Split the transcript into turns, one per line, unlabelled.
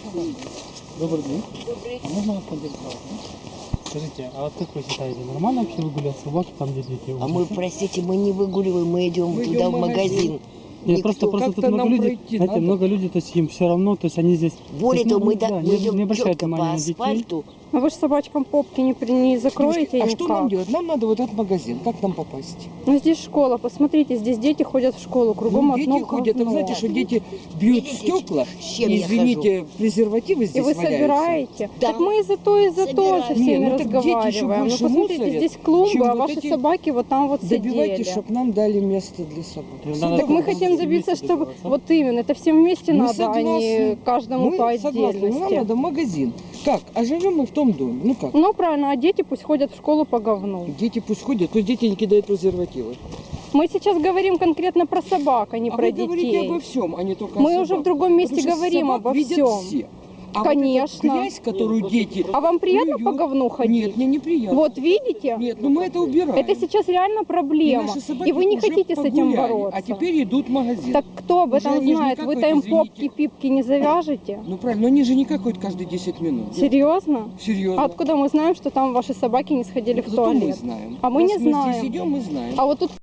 Добрый день.
Добрый.
А можно вас поинтересовать? Скажите, а вот как вы считаете, нормально вообще выгулять собак там, где дети
А мы,
учатся?
простите, мы не выгуливаем, мы идем
Мы
туда
идем
в
в магазин.
магазин.
Нет,
Никто-
просто тут
Как-то
много
нам
людей,
пройти
знаете,
надо.
много людей, то есть им все равно, то есть они здесь...
Более
то есть,
того, мы,
да,
мы
не
идем
обращают
четко по
внимания на детей.
асфальту.
А вы же собачкам попки не закроете
А
никак.
что нам делать? Нам надо в этот магазин. Как там попасть?
Ну здесь школа, посмотрите, здесь дети ходят в школу, кругом
Дети
одно
ходят. А вы
говно.
знаете, что дети бьют
Видите,
стекла?
с чем
И,
я
извините, презервативы
И
здесь
вы
валяются.
собираете?
Да.
Так мы и за то со
Собираем.
всеми
Не, ну так дети еще
разговариваем. Ну
больше
посмотрите,
мусорят,
здесь клумбы,
чем
а
вот
ваши
эти-
собаки вот там вот
Добивайте,
сидели.
чтобы нам дали место для собак.
Надо
Так мы
всем
хотим
вместе
добиться, чтобы
добиваться.
вот именно, это всем вместе
Мы
надо, а не
согласны.
каждому
Мы
по
согласны, но нам
отдельности.
надо в магазин. Как? А живем мы в том доме. Ну как?
Ну правильно, а дети пусть ходят в школу по говну.
Дети пусть ходят, пусть дети не кидают презервативы.
Мы сейчас говорим конкретно про собак, а не
А
про
вы говорите
детей.
обо всем, а не только
Мы
о
уже
собаках.
в другом месте
Потому что
говорим
собак
обо
видят
всем.
все. А
Конечно.
Вот эту грязь, которую дети...
А вам приятно по
плюют-
говну ходить?
Нет, мне неприятно.
Вот видите?
Нет, ну мы это убираем.
Это сейчас реально
И
проблема.
наши собаки
И вы не
уже
хотите с этим
погуляли,
бороться.
А теперь идут в магазин.
Так кто об
Уже
этом
они же
знает?
не
Вы-то
какой-то,
им
извините.
попки-пипки не завяжете?
Ну правильно, но они же не какают каждые 10 минут.
Серьезно?
Серьезно.
А откуда мы знаем, что там ваши собаки не сходили в
Зато мы
туалет?
знаем.
А мы
Раз
не
мы
знаем.
здесь идем, мы знаем.
А вот тут